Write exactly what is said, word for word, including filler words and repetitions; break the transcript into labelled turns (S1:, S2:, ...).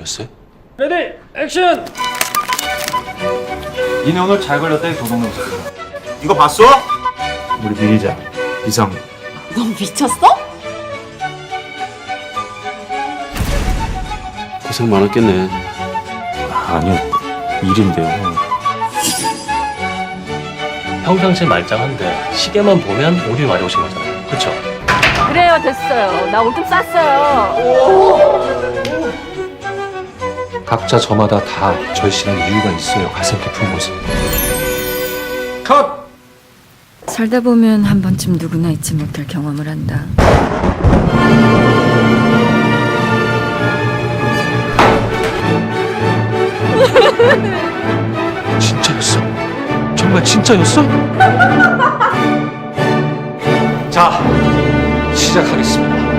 S1: 걸렸어요?
S2: 레디 액션!
S3: 니네 오늘 잘 걸렸다 이 도둑놈 새끼.
S4: 이거 봤어?
S3: 우리 미리자 이상.
S5: 넌 미쳤어?
S1: 고생 많았겠네.
S3: 아니요 일인데요.
S2: 평상시 말짱한데 시계만 보면 오류 많이 오신 거잖아요. 그렇죠?
S5: 그래요, 됐어요. 나 오줌 쌌어요.
S1: 각자 저마다 다 절실한 이유가 있어요. 가슴 깊은 곳에.
S3: 컷.
S6: 살다 보면 한 번쯤 누구나 잊지 못할 경험을 한다.
S1: 진짜였어? 정말 진짜였어? 자, 시작하겠습니다.